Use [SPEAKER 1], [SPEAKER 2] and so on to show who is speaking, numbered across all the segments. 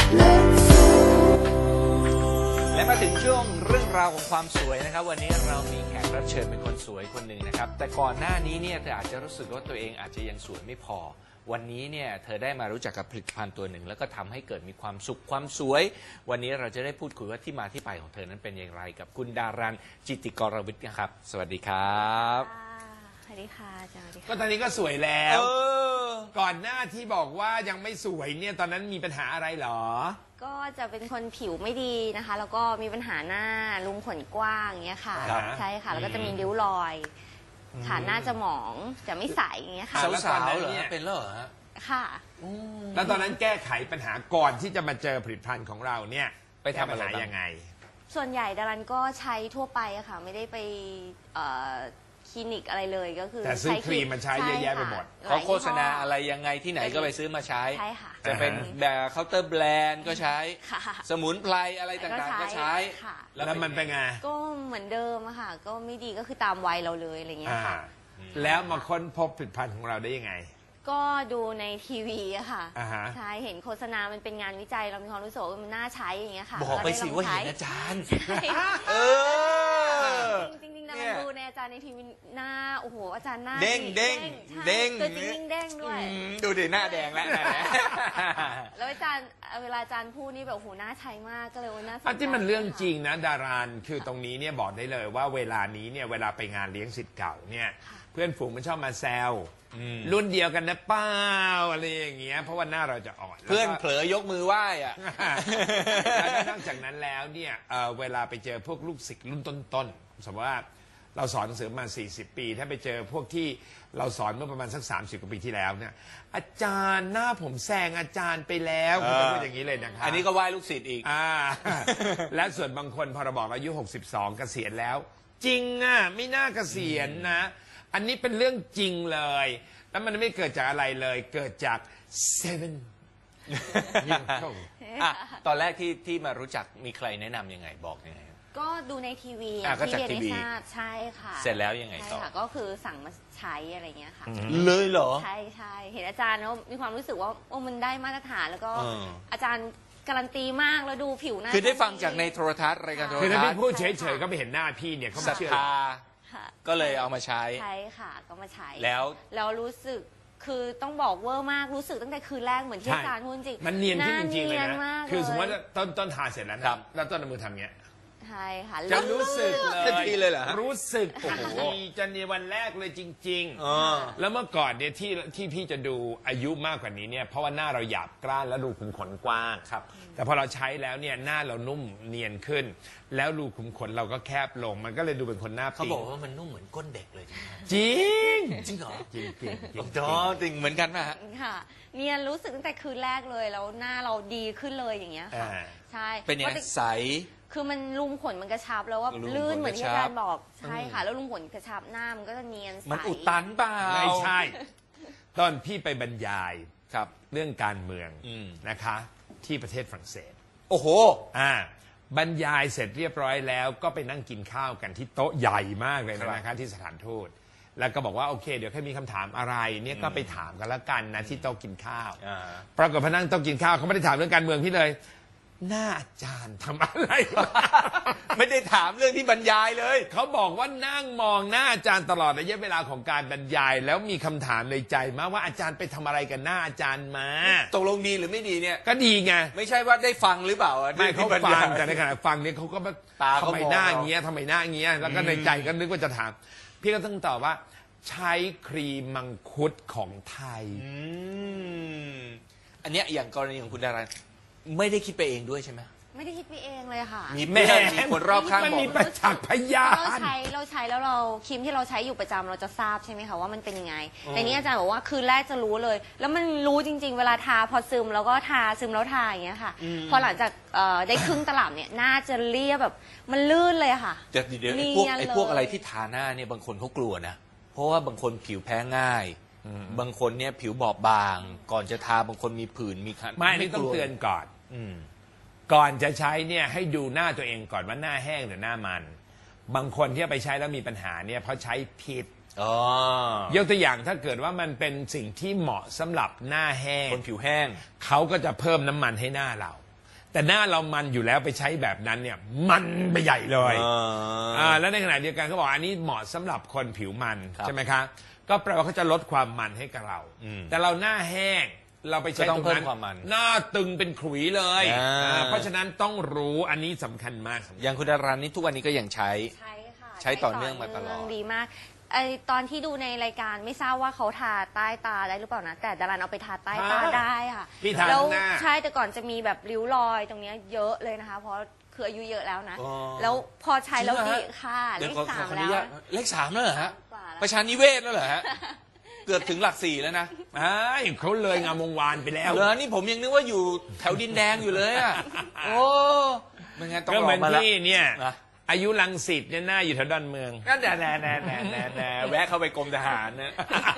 [SPEAKER 1] และมาถึงช่วงเรื่องราวของความสวยนะครับวันนี้เรามีแขกรับเชิญเป็นคนสวยคนหนึ่งนะครับแต่ก่อนหน้านี้เนี่ยเธออาจจะรู้สึกว่าตัวเองอาจจะยังสวยไม่พอวันนี้เนี่ยเธอได้มารู้จักกับผลิตภัณฑ์ตัวหนึ่งแล้วก็ทำให้เกิดมีความสุขความสวยวันนี้เราจะได้พูดคุยว่าที่มาที่ไปของเธอนั้นเป็นอย่างไรกับคุณดารันจิตติกรวิทย์นะครับสวัสดีครับ
[SPEAKER 2] สวัสดีค่ะอาจารย์
[SPEAKER 3] ก็ตอนนี้ก็สวยแล้วก่อนหน้าที่บอกว่ายังไม่สวยเนี่ยตอนนั้นมีปัญหาอะไรหรอ
[SPEAKER 2] ก็จะเป็นคนผิวไม่ดีนะคะแล้วก็มีปัญหาหน้ารูขุมขนกว้างอย่างเงี้ยค่ะใช่ค่ะแล้วก็จะมีริ้วรอยค่ะหน้าจะหมองจะไม่ใสอย่างเงี้ยค่ะ
[SPEAKER 1] สาวๆเหรอเป็นเหรอ
[SPEAKER 2] ค่ะ
[SPEAKER 3] แล้วตอนนั้นแก้ไขปัญหาก่อนที่จะมาเจอผลิตภัณฑ์ของเราเนี่ย
[SPEAKER 1] ไปทำอะไร
[SPEAKER 3] ยังไง
[SPEAKER 2] ส่วนใหญ่ดารันก็ใช้ทั่วไปอะค่ะไม่ได้ไปคลินิกอะไรเลยก็คือ
[SPEAKER 3] แต่ซื้อครีมมาใช้เยอะแยะไปหมด
[SPEAKER 1] เขาโฆษณาอะไรยังไงที่ไหนก็ไปซื้อมาใช้
[SPEAKER 2] ใช่ค่ะ
[SPEAKER 1] จะเป็นแบบเคาน์เตอร์แบรนด์ก็ใช้สมุนไพรอะไรต่างๆก็ใช้
[SPEAKER 3] แล้วมันเป็นไง
[SPEAKER 2] ก็เหมือนเดิมอะค่ะก็ไม่ดีก็คือตามวัยเราเลยอะไรเงี้ยค่ะ
[SPEAKER 3] แล้วมาค้นพบผลิตภัณฑ์ของเราได้ยังไง
[SPEAKER 2] ก็ดูในทีวีอะค่ะใช่เห็นโฆษณามันเป็นงานวิจัยเรามีความรู้สึกว่ามันน่าใช้อย่างเงี้ยค่ะ
[SPEAKER 1] บอกไปสิว่าเห็นอาจารย์
[SPEAKER 2] จริงๆนะมันดูในอาจารย์ในทีวีหน้าโอ้โหอาจารย์หน้า
[SPEAKER 1] เด้ง
[SPEAKER 2] ตัวจริงเด้งด้วย
[SPEAKER 1] ดูดิหน้าแดงแล้ว
[SPEAKER 2] แล้วอาจารย์เวลาอาจารย์พูดนี่แบบโอ้โหน่าใช้มากก็เลยว่าน่าสนใจ
[SPEAKER 3] ที่มันเรื่องจริงนะดารานคือตรงนี้เนี่ยบอกได้เลยว่าเวลานี้เนี่ยเวลาไปงานเลี้ยงศิษย์เก่าเนี่ยเพื่อนฝูงมันชอบมาแซวรุ่นเดียวกันนะเป้าอะไรอย่างเงี้ยเพราะว่าหน้าเราจะอ่อน
[SPEAKER 1] เพื่อนเผลอยกมือไหว้อะ
[SPEAKER 3] แล้วนอกจากนั้นแล้วเนี่ยเวลาไปเจอพวกลูกศิษย์รุ่นต้นๆสมมติว่าเราสอนหนังสือมา40 ปีถ้าไปเจอพวกที่เราสอนเมื่อประมาณสัก30 กว่าปีที่แล้วเนี่ยอาจารย์หน้าผมแซงอาจารย์ไปแล้วคุณจะพูดอย่างนี้เลยนะครับ
[SPEAKER 1] อันนี้ก็ไหว้ลูกศิษย์อีก
[SPEAKER 3] และส่วนบางคนพอเราบอกอายุ62เกษียณแล้วจริงอ่ะไม่น่าเกษียณนะอันนี้เป็นเรื่องจริงเลยแล้วมันไม่เกิดจากอะไรเลยเกิดจากเซเว่น
[SPEAKER 1] ตอนแรกที่มารู้จักมีใครแนะนำยังไงบอกยังไง
[SPEAKER 2] ก็ดูในทีวี
[SPEAKER 1] ที่เรียน
[SPEAKER 2] ได้ทราบใช่ค่ะ
[SPEAKER 1] เสร็จแล้วยังไงต่อ
[SPEAKER 2] ก็คือสั่งมาใช้อะไรเงี้ยค่ะ
[SPEAKER 1] เลยเหรอ
[SPEAKER 2] ใช่ใช่เห็นอาจารย์แล้วมีความรู้สึกว่าโอ้มันได้มาตรฐานแล้วก็อาจารย์การันตีมากแล้วดูผิวหน้า
[SPEAKER 1] คือได้ฟังจากในโทรทัศน์รายการโทรทัศน์
[SPEAKER 3] คือถ้าพี่พูดเฉยๆก็ไปเห็นหน้าพี่เนี่ยเขา
[SPEAKER 1] ศรัทธาก็เลยเอามาใช้
[SPEAKER 2] ใช่ค่ะก็มาใช้
[SPEAKER 1] แล้ว
[SPEAKER 2] รู้สึกคือต้องบอกเวอร์มากรู้สึกตั้งแต่คืนแรกเหมือนที่อาจารย์พูดจริง
[SPEAKER 3] มันเนียนขึ้นจริงๆเลยนะคือสมมติว่าต้นทาเสร็จแล้วนะแล้วต้นมือทำเงี้ย
[SPEAKER 2] ใช่ค่ะ
[SPEAKER 3] จะรู้สึก
[SPEAKER 1] เลยเหรอ
[SPEAKER 3] รู้สึกโอ้โหจะในวันแรกเลยจริงๆแล้วเมื่อก่อนเนี่ยที่พี่จะดูอายุมากกว่านี้เนี่ยเพราะว่าหน้าเราหยาบกร้านแล้วรูขุมขนกว้างครับแต่พอเราใช้แล้วเนี่ยหน้าเรานุ่มเนียนขึ้นแล้วรูขุมขนเราก็แคบลงมันก็เลยดูเป็นคนหน้า
[SPEAKER 1] เขาบอกว่ามันนุ่มเหมือนก้นเด็กเลย
[SPEAKER 3] จริง
[SPEAKER 1] จริงเหรอ
[SPEAKER 3] จริงจริง
[SPEAKER 1] จริงเหมือนกันไหมฮะ
[SPEAKER 2] ค่ะเนียนรู้สึกตั้งแต่คืนแรกเลยแล้วหน้าเราดีขึ้นเลยอย่างเงี้ยค่ะใช่
[SPEAKER 1] เป็นยังไงใส
[SPEAKER 2] คือมันรูขุมขนมันกระชับแล้วว่าลื่นเหมือนที่อาจารย์บอกใช่ค่ะแล้วรูขุมขนกระชับหน้ามันก็จะเนียนใส
[SPEAKER 1] มันอุดตันเปล่า
[SPEAKER 3] ไม่ใช่ตอนพี่ไปบรรยายครับเรื่องการเมืองนะคะที่ประเทศฝรั่งเศส
[SPEAKER 1] โอ้โห
[SPEAKER 3] บรรยายเสร็จเรียบร้อยแล้วก็ไปนั่งกินข้าวกันที่โต๊ะใหญ่มากเลยนะคะที่สถานทูตแล้วก็บอกว่าโอเคเดี๋ยวแค่มีคำถามอะไรเนี่ยก็ไปถามกันแล้วกันนะที่โต๊ะกินข้าวปรากฏพอนั่งโต๊ะกินข้าวเขาไม่ได้ถามเรื่องการเมืองพี่เลยหน้าอาจารย์ทำอะไร
[SPEAKER 1] ไม่ได้ถามเรื่องที่บรรยายเลย
[SPEAKER 3] เขาบอกว่านั่งมองหน้าอาจารย์ตลอดระยะเวลาของการบรรยายแล้วมีคำถามในใจมาว่าอาจารย์ไปทำอะไรกันหน้าอาจารย์มา
[SPEAKER 1] ตกลงดีหรือไม่ดีเนี่ย
[SPEAKER 3] ก็ดีไง
[SPEAKER 1] ไม่ใช่ว่าได้ฟังหรือเปล่า
[SPEAKER 3] ไม่เขาฟังแต่ในขณะฟังเนี่ยเขาก็ทำไมหน้าเงี้ยทำไมหน้าเงี้ยแล้วก็ในใจก็นึกว่าจะถามพี่ก็ต้องตอบว่าใช้ครีมมังคุดของไทย
[SPEAKER 1] อันเนี้ยอย่างกรณีของคุณดาราไม่ได้คิดไปเองด้วยใช่ไหม
[SPEAKER 2] ไม่ได้คิดไปเองเลยค่ะ
[SPEAKER 1] มีคนรอบข้างบอก
[SPEAKER 3] มีประจักษ์พยาน
[SPEAKER 2] เราใช้แล้วเราครีมที่เราใช้อยู่ประจำเราจะทราบใช่ไหมคะว่ามันเป็นยังไงแต่นี้อาจารย์บอกว่าคืนแรกจะรู้เลยแล้วมันรู้จริงๆเวลาทาพอซึมแล้วก็ทาซึมแล้วทาอย่างเงี้ยค่ะพอหลังจากได้ครึ่งตลับเนี่ยหน้าจะเรียบแบบมันลื่นเลยค่ะ
[SPEAKER 1] เดี๋ยวพวกอะไรที่ทาหน้าเนี่ยบางคนเขากลัวนะเพราะว่าบางคนผิวแพ้ง่ายบางคนเนี่ยผิวบอบบางก่อนจะทาบางคนมีผื่นมีคัน
[SPEAKER 3] ไม่ต้องเตือนก่อนก่อนจะใช้เนี่ยให้ดูหน้าตัวเองก่อนว่าหน้าแห้งหรือหน้ามันบางคนที่ไปใช้แล้วมีปัญหาเนี่ยเพราะใช้ผิดยกตัวอย่างถ้าเกิดว่ามันเป็นสิ่งที่เหมาะสำหรับหน้าแห้ง
[SPEAKER 1] คนผิวแห้ง
[SPEAKER 3] เขาก็จะเพิ่มน้ำมันให้หน้าเราแต่หน้าเรามันอยู่แล้วไปใช้แบบนั้นเนี่ยมันไปใหญ่เลยแล้วในขณะเดียวกันเขาบอกอันนี้เหมาะสำหรับคนผิวมันใช่ไหมคะก็แปลว่าเขาจะลดความมันให้กับเราแต่เราหน้าแห้งเราไปใช้ตรงนั้นหน้าตึงเป็นขลุยเลยเพราะฉะนั้นต้องรู้อันนี้สำคัญมาก
[SPEAKER 1] อย่างคุณดารันนี่ทุกวันนี้ก็ยังใช้
[SPEAKER 2] ใช่ค่ะ
[SPEAKER 1] ใช้ต่อเนื่องมาตลอด
[SPEAKER 2] ดีมากตอนที่ดูในรายการไม่ทราบว่าเขาทาใต้ตาได้หรือเปล่านะแต่ดารันเอาไปทาใต้ตาได้ค่ะ
[SPEAKER 3] พี่ทา
[SPEAKER 2] แล้ว
[SPEAKER 3] หน้า
[SPEAKER 2] ใช่แต่ก่อนจะมีแบบริ้วรอยตรงเนี้ยเยอะเลยนะคะ เพราะคืออายุเยอะแล้วนะแล้วพอใช้แล้วดีค่ะเลข 3แล้ว
[SPEAKER 1] เลข 3แล้วเหรอฮะ
[SPEAKER 2] กว่าแล้ว
[SPEAKER 1] ประชานิเวศแล้วเหรอฮะ เกือบถึงหลัก 4แล้วนะ
[SPEAKER 3] เขาเลยงามวงวานไปแล้ว
[SPEAKER 1] เหรอนี่ผมยังนึกว่าอยู่แถวดินแดงอยู่เลยอ่ะโอ้ไม่งั้นต้อง
[SPEAKER 3] ก็
[SPEAKER 1] ร
[SPEAKER 3] เห
[SPEAKER 1] อ
[SPEAKER 3] มือน
[SPEAKER 1] มาแล้ว
[SPEAKER 3] พี่เนี่ย
[SPEAKER 1] นะ
[SPEAKER 3] อายุรังสิตเนี่ยหน้าอยู่แถวดอนเมือง
[SPEAKER 1] ก็แน่แวะเข้าไปกรมทหารนะ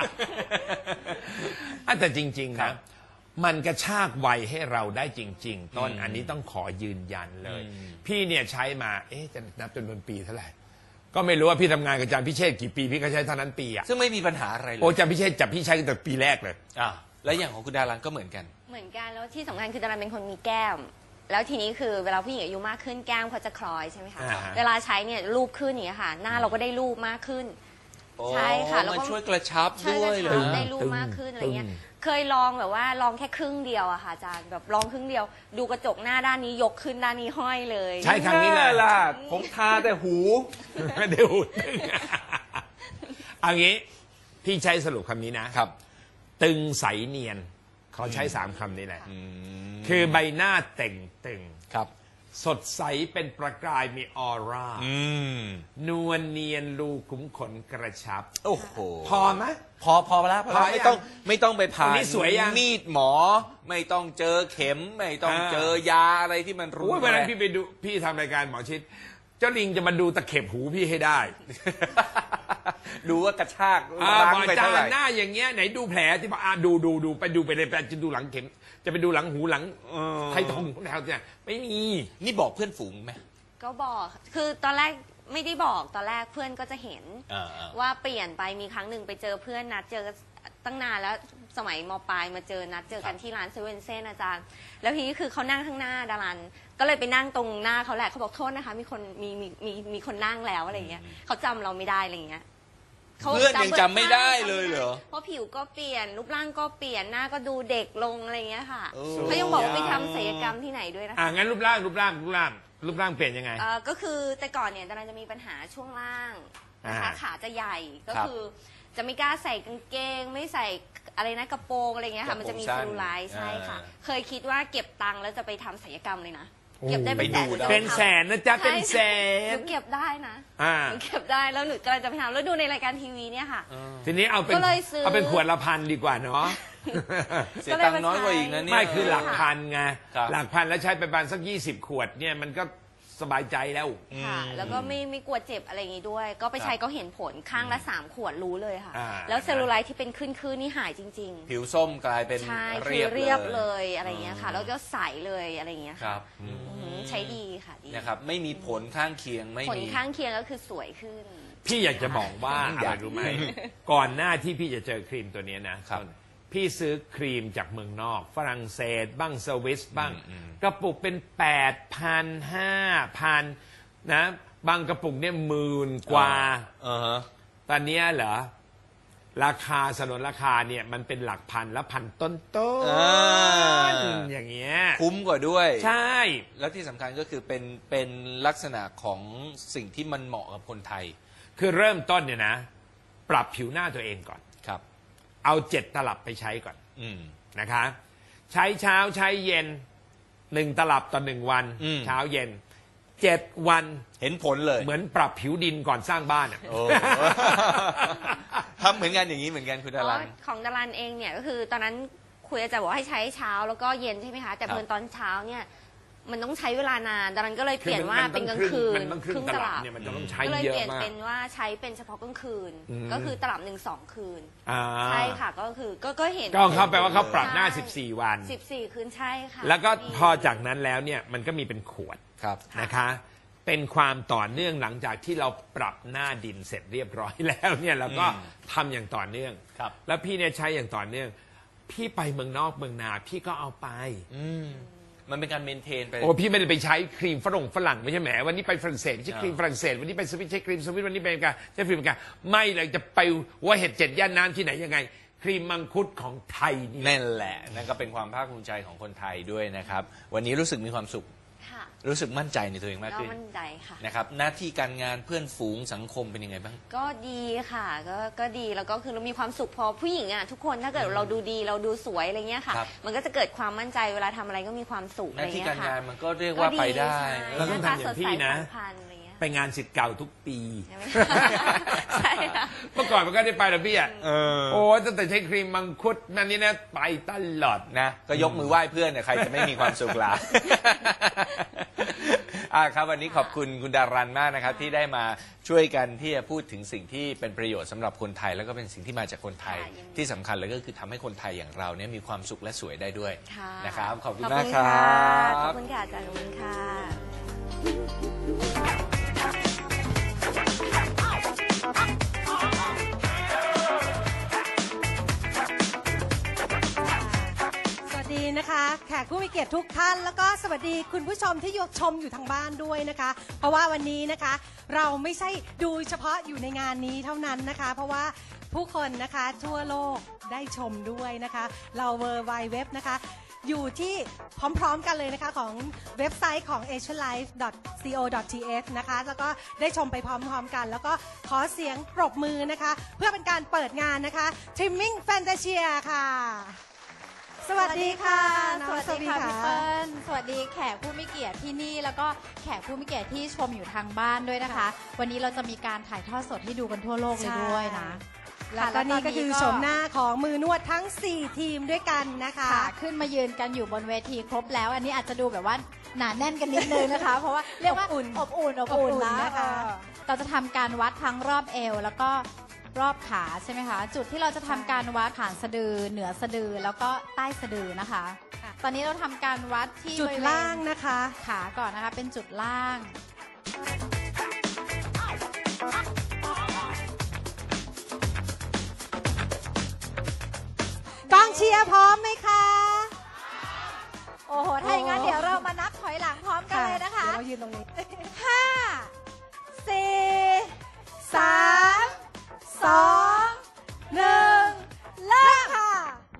[SPEAKER 3] แต่จริงๆนะมันกระชากวัยให้เราได้จริง ๆ ต้นอันนี้ต้องขอยืนยันเลย พี่เนี่ยใช้มาจะนับจนเป็นปีเท่าไหร่ก็ไม่รู้ว่าพี่ทำงานกับอาจารย์พิเชษกี่ปีพี่ก็ใช้เท่านั้นปีอ่ะ
[SPEAKER 1] ซึ่งไม่มีปัญหาอะไรเลย
[SPEAKER 3] โอ้อาจารย์พิเชษจับพี่ใช้ตั้งแต่ปีแรกเลย
[SPEAKER 1] แล้วอย่างของคุณดารันก็เหมือนกัน
[SPEAKER 2] เหมือนกันแล้วที่สำคัญคือดารันเป็นคนมีแก้ม แล้วทีนี้คือเวลาผู้หญิงอายุมากขึ้นแก้มเขาจะคล้อยใช่ไหมคะ
[SPEAKER 3] อ่าฮะ
[SPEAKER 2] เวลาใช้เนี่ยรูปขึ้นอย่างเงี้ยค่ะ หน้าเราก็ได้รูปมากขึ้น ใช่ค่ะแล้ว
[SPEAKER 1] มัน
[SPEAKER 2] ก็
[SPEAKER 1] ช่วยกระชับ
[SPEAKER 2] ใช่
[SPEAKER 1] ด้วย
[SPEAKER 2] จะ
[SPEAKER 1] เลย
[SPEAKER 2] ได้รูปมากขึ้นอะไรเงี้ยเคยลองแบบว่าลองแค่ครึ่งเดียวอะค่ะอาจารย์แบบลองครึ่งเดียว ดูกระจกหน้าด้านนี้ยกขึ้นด้านนี้ห้อยเลย
[SPEAKER 3] ใช้ครั้งนี้เลย
[SPEAKER 1] ล่ะผมทาแต่หู
[SPEAKER 3] เดี๋ยวตึงเอางี้พี่ใช้สรุปคำนี้นะครับ ตึงใสเนียนเขาใช้3คำนี้แหละคือใบหน้าเต่งตึง
[SPEAKER 1] ครับ
[SPEAKER 3] สดใสเป็นประกายมีออร่า นวลเนียนรูขุมขนกระชับ
[SPEAKER 1] โอ้โห
[SPEAKER 3] พอไหม
[SPEAKER 1] พอแล้ว
[SPEAKER 3] พอ
[SPEAKER 1] ไม่ต้องไปผ่า
[SPEAKER 3] อัน
[SPEAKER 1] น
[SPEAKER 3] นี้สวยยัง
[SPEAKER 1] มีดหมอ ไม่ต้องเจอเข็ม ไม่ต้องเจอยาอะไรที่มันรุน
[SPEAKER 3] โอ้ย
[SPEAKER 1] แร
[SPEAKER 3] วันนั้น
[SPEAKER 1] ง
[SPEAKER 3] พี่ไปดูพี่ทำรายการหมอชิด เจ้าลิงจะมาดูตะเข็บหูพี่ให้ได้
[SPEAKER 1] ดูว่ากระชาก
[SPEAKER 3] อ่า
[SPEAKER 1] ล้าง
[SPEAKER 3] หมอ
[SPEAKER 1] ไป
[SPEAKER 3] จา
[SPEAKER 1] เท่าไหร่
[SPEAKER 3] หน้าอย่างเงี้ยไหนดูแผลที่บอกดูไปเลยจะดูหลังเข็ม จะไปดูหลังหูหลังไททงแถวเนี่ยไม่มี
[SPEAKER 1] นี่บอกเพื่อนฝูงไหม
[SPEAKER 2] ก็บอกคือตอนแรกไม่ได้บอกตอนแรกเพื่อนก็จะเห็น ว่าเปลี่ยนไปมีครั้งหนึ่งไปเจอเพื่อนนัดเจอตั้งนานแล้วสมัยมปลายมาเจอนัดเจอกันที่ร้านเซเว่นเซนอาจารย์ แล้วทีนี้คือเขานั่งข้างหน้าดารันก็เลยไปนั่งตรงหน้าเขาแหละเขาบอกโทษนะคะมีคนนั่งแล้วอะไรเงี้ยเขาจำเราไม่ได้อะไรเงี้ย
[SPEAKER 1] เพื่อนยังจำไม่ได้เลยเหรอ
[SPEAKER 2] เพราะผิวก็เปลี่ยนรูปร่างก็เปลี่ยนหน้าก็ดูเด็กลงอะไรเงี้ยค่ะ
[SPEAKER 1] โอ้
[SPEAKER 2] เขายังบอกว่าไปทำศัลยกรรมที่ไหนด้วยนะคะ
[SPEAKER 3] งั้นรูปร่างเปลี่ยนยังไง
[SPEAKER 2] ก็คือแต่ก่อนเนี่ยดาราจะมีปัญหาช่วงล่างนะคะ
[SPEAKER 3] อ่า
[SPEAKER 2] ขาจะใหญ่ก็
[SPEAKER 1] ครับ
[SPEAKER 2] คือจะไม่กล้าใส่กางเกง ไม่ใส่อะไรนะกระโปรงอะไรเงี้ย
[SPEAKER 1] กระ
[SPEAKER 2] ค่ะ
[SPEAKER 1] โปรง
[SPEAKER 2] มันจะมี
[SPEAKER 1] สั้น
[SPEAKER 2] เซลลูไลท์ใช่ค่ะ เคยคิดว่าเก็บตังค์แล้วจะไปทำศัลยกรรมเลยนะ
[SPEAKER 3] โอ้
[SPEAKER 2] เก็บได้เป็นแสน
[SPEAKER 1] ไปดู
[SPEAKER 2] หรือจะ
[SPEAKER 3] เป็น
[SPEAKER 2] ไปทำ
[SPEAKER 3] แสนนะจ๊ะเป็นแส
[SPEAKER 2] ห
[SPEAKER 3] น
[SPEAKER 2] นูเก็บได้นะ
[SPEAKER 3] อ่า
[SPEAKER 2] หนูเก็บได้แล้วหนูกำลังจะไปทำแล้วดูในรายการทีวีเนี่ยค่ะ
[SPEAKER 3] ทีนี้เอาเป็น
[SPEAKER 2] ก็เลยซื้อ
[SPEAKER 3] เอาเป็นขวดละพันดีกว่าเนาะ
[SPEAKER 1] เสียตังค์น้อยกว่าอีกนะเนี่ย
[SPEAKER 3] ไม่คือหลักพันไง
[SPEAKER 1] ครับ
[SPEAKER 3] หลักพันแล้วใช้ไปประมาณสัก20 ขวดเนี่ยมันก็สบายใจแล้ว
[SPEAKER 2] ค่ะ แล้วก็ไม่กลัวเจ็บอะไรอย่างงี้ด้วย ก็ไปใช้ก็เห็นผลข้างละ3 ขวดรู้เลยค่ะ
[SPEAKER 3] อ่า
[SPEAKER 2] แล้วเซลลูไลท์ที่เป็นขึ้นนี่หายจริง ๆ
[SPEAKER 1] ผิวส้มกลายเป็น
[SPEAKER 2] ใช่
[SPEAKER 1] เรี
[SPEAKER 2] คื
[SPEAKER 1] ย
[SPEAKER 2] อบ เรียบ
[SPEAKER 1] เล
[SPEAKER 2] เลย ยอะไรอย่างเงี้ยค่ะแล้วก็ใสเลยอะไรอย่างเงี้ย
[SPEAKER 1] ครับ
[SPEAKER 2] ใช้ดีค่ะดี
[SPEAKER 1] นะครับไม่มีผลข้างเคียงไม่
[SPEAKER 2] ผล
[SPEAKER 1] มี
[SPEAKER 2] ข้างเคียงก็คือสวยขึ้น
[SPEAKER 3] พี่อยากจะบอกว่าอะไรรู้ไหม ก่อนหน้าที่พี่จะเจอครีมตัวเนี้ยนะครับ พี่ซื้อครีมจากเมืองนอก ฝรั่งเศสบ้างสวิสบ้าง กระปุกเป็น 8,000 5,000 นะ บางกระปุกเนี่ย10,000 กว่า ตอนเนี้ยเหรอ ราคาสนนราคาเนี่ยมันเป็นหลักพันและพันต้น อย่างเงี้ย
[SPEAKER 1] คุ้มกว่าด้วย
[SPEAKER 3] ใช่
[SPEAKER 1] แล้วที่สำคัญก็คือเป็นลักษณะของสิ่งที่มันเหมาะกับคนไทย
[SPEAKER 3] คือเริ่มต้นเนี่ยนะ ปรับผิวหน้าตัวเองก่อน
[SPEAKER 1] ครับ
[SPEAKER 3] เอา7 ตลับไปใช้ก่อน
[SPEAKER 1] อืม
[SPEAKER 3] นะคะ ใช้เช้าใช้เย็น1 ตลับต่อ1 วัน
[SPEAKER 1] อืม
[SPEAKER 3] เช้าเย็น7 วัน
[SPEAKER 1] เห็นผลเลย
[SPEAKER 3] เหมือนปรับผิวดินก่อนสร้างบ้านอะ
[SPEAKER 1] โอ้ ทำเหมือนกันอย่างนี้เหมือนกันคุณดารัน
[SPEAKER 2] ของดารันเองเนี่ยก็คือตอนนั้นคุยอาจารย์บอกให้ใช้เช้าแล้วก็เย็นใช่ไหมคะแต่เพิ่นตอนเช้าเนี่ยมันต้องใช้เวลานานดารันก็เลยเปลี่ยนว่าเป็นกลางคืน
[SPEAKER 3] มันต้องครึ่งตลับเนี่ยมันจะต้องใช้
[SPEAKER 2] ก็เลย
[SPEAKER 3] เยอะ
[SPEAKER 2] เปลี่ยน
[SPEAKER 3] มาก
[SPEAKER 2] เป็นว่าใช้เป็นเฉพาะกลางคืน ก็คือตลับ1-2 คืน
[SPEAKER 3] อ่า
[SPEAKER 2] ใช่ค่ะก็คือก็เห็น
[SPEAKER 3] ก็เขาแปลว่าเขาปรับหน้า14 วัน
[SPEAKER 2] 14 คืนใช่ค่ะ
[SPEAKER 3] แล้วก็พอจากนั้นแล้วเนี่ยมันก็มีเป็นขวด
[SPEAKER 1] ครับ
[SPEAKER 3] นะคะ เป็นความต่อเนื่องหลังจากที่เราปรับหน้าดินเสร็จเรียบร้อยแล้วเนี่ยเราก็ทำอย่างต่อเนื่อง
[SPEAKER 1] ครับ
[SPEAKER 3] แล้วพี่เนี่ยใช้อย่างต่อเนื่อง พี่ไปเมืองนอกเมืองนาพี่ก็เอาไป
[SPEAKER 1] มันเป็นการเมนเทนไป
[SPEAKER 3] โอ้พี่ไม่ได้ไปใช้ครีมฝรั่งไม่ใช่แหมวันนี้ไปฝรั่งเศสใช้ครีมฝรั่งเศสวันนี้ไปสวิตใช้ครีมสวิตวันนี้ไปอเมริกาใช้ครีมอเมริกาไม่เลยจะไปว่าเห็ด7 ย่านน้ำที่ไหนยังไงครีมมังคุดของไทยนี่
[SPEAKER 1] นั่นแหละนั่นก็เป็นความภาคภูมิใจของคนไทยด้วยนะครับวันนี้รู้สึกมีความสุข
[SPEAKER 2] ค่ะ
[SPEAKER 1] รู้สึกมั่นใจในตัวเองมาก
[SPEAKER 2] ก็
[SPEAKER 1] ขึ้น
[SPEAKER 2] มั่นใจค่ะ
[SPEAKER 1] นะครับหน้าที่การงานเพื่อนฝูงสังคมเป็นยังไงบ้าง
[SPEAKER 2] ก็ดีค่ะก็ดีแล้วก็คือเรามีความสุขพอผู้หญิงอ่ะทุกคนถ้าเกิดเราดูดีเราดูสวยอะไรเงี้ยค่ะ
[SPEAKER 1] ครับ
[SPEAKER 2] มันก็จะเกิดความมั่นใจเวลาทำอะไรก็มีความสุข
[SPEAKER 1] ห
[SPEAKER 2] อะไร
[SPEAKER 1] น้าที่
[SPEAKER 2] เงี้
[SPEAKER 1] การ
[SPEAKER 2] ยค่ะ
[SPEAKER 1] งานมันก็เรียกว่าไปได้
[SPEAKER 2] ใช่
[SPEAKER 3] เราต้องทำอย่างพี่นะ
[SPEAKER 2] หาตาสดใสผ่องพรรณอะไรเงี้ย
[SPEAKER 3] ไปงานศิษย์เก่าทุกปี
[SPEAKER 2] ใช่ค่ะ
[SPEAKER 3] เมื่อก่อนมันก็ได้ไปแล้วพี่อ่ะ
[SPEAKER 1] เออ
[SPEAKER 3] โอ้ตั้งแต่ใช้ครีมมังคุดนั่นนี่นะไปตลอด
[SPEAKER 1] นะก็ยกมือไหว้เพื่อนเนี่ยใครจะไม่มีความสุขล่ะ ครับวันนี้ขอบคุณคุณดารันมากนะครับ ที่ได้มาช่วยกันที่จะพูดถึงสิ่งที่เป็นประโยชน์สำหรับคนไทย แล้วก็เป็นสิ่งที่มาจากคนไทย
[SPEAKER 2] ค่ะยินดี
[SPEAKER 1] ที่สำคัญเลยก็คือทำให้คนไทยอย่างเราเนี่ยมีความสุขและสวยได้ด้วย
[SPEAKER 2] ค่ะ
[SPEAKER 1] นะครับขอบคุณ
[SPEAKER 2] ขอบ
[SPEAKER 1] มาก
[SPEAKER 2] คุณ
[SPEAKER 1] ครั
[SPEAKER 2] ค่ะขอ
[SPEAKER 1] บบ
[SPEAKER 2] คุณค่ะอาจารย์ขอบคุณค่ะ
[SPEAKER 4] สวัสดีนะคะแขกผู้มีเกียรติทุกท่านแล้วก็สวัสดีคุณผู้ชมที่ชมอยู่ทางบ้านด้วยนะคะ เพราะว่าวันนี้นะคะเราไม่ใช่ดูเฉพาะอยู่ในงานนี้เท่านั้นนะคะ เพราะว่าผู้คนนะคะทั่วโลกได้ชมด้วยนะคะ เราเวอร์ไวเว็บนะคะอยู่ที่พร้อมๆกันเลยนะคะของเว็บไซต์ของ asianlife.co.th นะคะแล้วก็ได้ชมไปพร้อมๆกัน แล้วก็ขอเสียงปรบมือนะคะเพื่อเป็นการเปิดงานนะคะ Trimming Fantasia ค่ะ สวัสดีค่ะน้อง
[SPEAKER 5] สวัสดีค่ะ
[SPEAKER 4] สวัสดี
[SPEAKER 5] พี่
[SPEAKER 4] ค่ะ
[SPEAKER 5] เปิ้ลสวัสดีแขกผู้มีเกียรติที่นี่แล้วก็แขกผู้มีเกียรติที่ชมอยู่ทางบ้านด้วยนะคะ วันนี้เราจะมีการถ่ายทอดสดให้ดูกันทั่วโลกเลยด้วยนะ
[SPEAKER 4] แล้วก็นี่ก็คือโฉมหน้าของมือนวดทั้ง 4 ทีมด้วยกันนะคะ
[SPEAKER 5] ค่ะขึ้นมายืนกันอยู่บนเวทีครบแล้ว อันนี้อาจจะดูแบบว่าหนาแน่นกันนิดนึงนะคะ เพราะว่าเรียกว่า
[SPEAKER 4] อบอุ่น
[SPEAKER 5] อบอุ่น
[SPEAKER 4] อบอุ่น
[SPEAKER 5] นะ
[SPEAKER 4] นะคะ
[SPEAKER 5] เราจะทำการวัดทั้งรอบเอวแล้วก็รอบขาใช่ไหมคะ จุดที่เราจะทำการวัดฐานสะดือเหนือสะดือแล้วก็ใต้สะดือนะคะ ตอนนี้เราทำการวัดที่
[SPEAKER 4] จุด
[SPEAKER 5] บริเวณ
[SPEAKER 4] ล่างนะคะ
[SPEAKER 5] ขาก่อนนะคะเป็นจุดล่าง
[SPEAKER 4] กองเชียร์พร้อมไหมคะ
[SPEAKER 5] โอ้โห ถ้าอย่างนั้น
[SPEAKER 4] โอ้
[SPEAKER 5] เดี๋ยวเรามานับถอยหลังพร้อมกันเลยนะคะ
[SPEAKER 4] เดี๋ยวเรายืนตรงนี้
[SPEAKER 5] 5 4 3 2 1 เริ่มค่ะ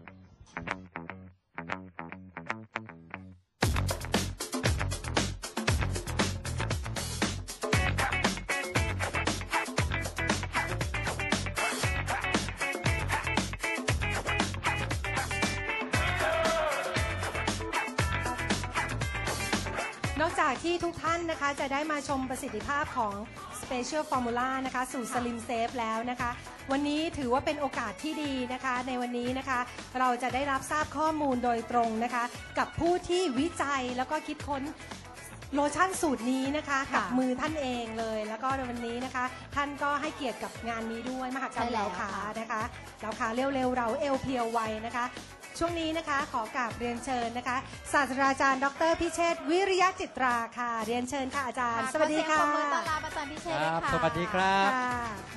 [SPEAKER 4] นอกจากที่ทุกท่านนะคะจะได้มาชมประสิทธิภาพของ Special Formula นะคะสู่ Slim Safe แล้วนะคะ วันนี้ถือว่าเป็นโอกาสที่ดีนะคะ ในวันนี้นะคะ เราจะได้รับทราบข้อมูลโดยตรงนะคะ กับผู้ที่วิจัยแล้วก็คิดค้นโลชั่นสูตรนี้นะคะกับมือท่านเองเลย แล้วก็ในวันนี้นะคะ ท่านก็ให้เกียรติกับงานนี้ด้วยมหกรรม
[SPEAKER 5] ใช่แล้
[SPEAKER 4] เห
[SPEAKER 5] ว
[SPEAKER 4] ลาขา
[SPEAKER 5] ค่ะ
[SPEAKER 4] นะคะเหลาขาเร็วๆเราเอวเพียวไวนะคะ ช่วงนี้นะคะขอกราบเรียนเชิญนะคะศาสตราจารย์ดรพิเชษฐ์วิริยะจิตราค่ะ เรียนเชิญค่ะอาจารย์ สวัสดีค่ะ
[SPEAKER 5] ขอเสียงปรบมือต้อนรับอาจารย์พิเชษฐ์ด้วยค่ะ
[SPEAKER 6] สวัสดีครับ
[SPEAKER 4] ค่ะ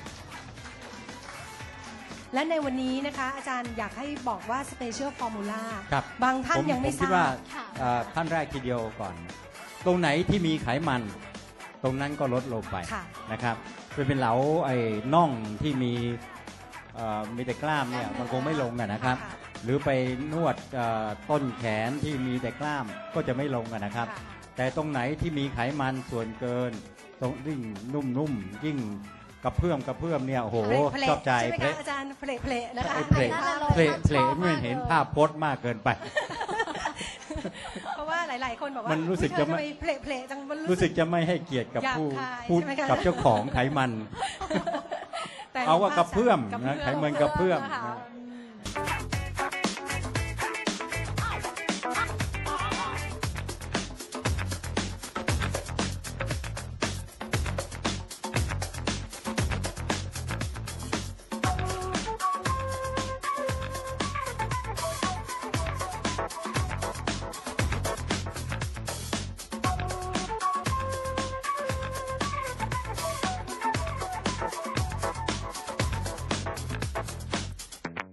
[SPEAKER 4] และในวันนี้นะคะ อาจารย์อยากให้บอกว่า Special Formula
[SPEAKER 6] ครับ
[SPEAKER 4] บางท่านยังไม่
[SPEAKER 6] ผ
[SPEAKER 4] ท
[SPEAKER 6] คิด
[SPEAKER 4] รา
[SPEAKER 6] ว่า
[SPEAKER 4] บ
[SPEAKER 5] ค่ะ
[SPEAKER 6] ท่านแรกทีเดียวก่อน ตรงไหนที่มีไขมัน ตรงนั้นก็ลดลงไป
[SPEAKER 4] ค่ะ
[SPEAKER 6] นะครับเป็นเหลาไอ้น่องที่มีแต่กล้ามเนี่ยมันคงไม่ลงอะนะครับ
[SPEAKER 4] ค่ะ
[SPEAKER 6] หรือไปนวดต้นแขนที่มีแต่กล้ามก็จะไม่ลงอะนะครับ
[SPEAKER 4] ค่ะ
[SPEAKER 6] แต่ตรงไหนที่มีไขมันส่วนเกิน ตรงยิ่งนุ่มๆยิ่งกระเพื่อมเนี่ยโอ้โห
[SPEAKER 4] เพล
[SPEAKER 6] ชอบใจ
[SPEAKER 4] ใช่ไหมคะอาจารย์เพลนะคะ
[SPEAKER 6] ไอ้เพล ไม่เห็นภาพพจน์มากเกินไป
[SPEAKER 4] เพราะว่าหลาย ๆ คนบอกว่า
[SPEAKER 6] มันรู้สึกจะไม่
[SPEAKER 4] เธอทำเพลจังมัน
[SPEAKER 6] รู้สึกจะไม่ให้เกียรติกับ
[SPEAKER 4] หยาบ
[SPEAKER 6] ผู้
[SPEAKER 4] คาย
[SPEAKER 6] พูด
[SPEAKER 4] ใช่ไหมคะ
[SPEAKER 6] กับเจ้าของไขมัน
[SPEAKER 4] แต่
[SPEAKER 6] เอาว่ากระเพื่อม
[SPEAKER 4] กระ
[SPEAKER 6] นะไข
[SPEAKER 4] เพื่อม
[SPEAKER 6] มันกระเพื่อม
[SPEAKER 5] ค่ะ
[SPEAKER 6] นะ
[SPEAKER 4] ค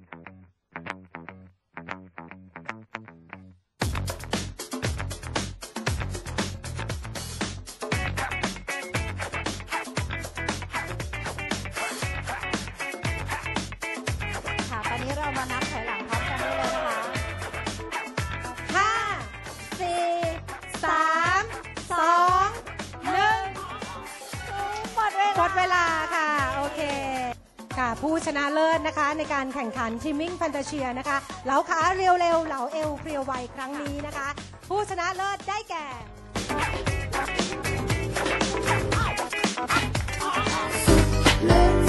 [SPEAKER 4] หมดเวลาค่ะ โอเคค่ะผู้ชนะเลิศนะคะในการแข่งขันทิมมิ่งแฟนตาเชียนะคะเหลาขาเรียวเร็วเหลาเอวเพรียวไวครั้งนี้นะคะ ผู้ชนะเลิศได้แก่
[SPEAKER 7] Let's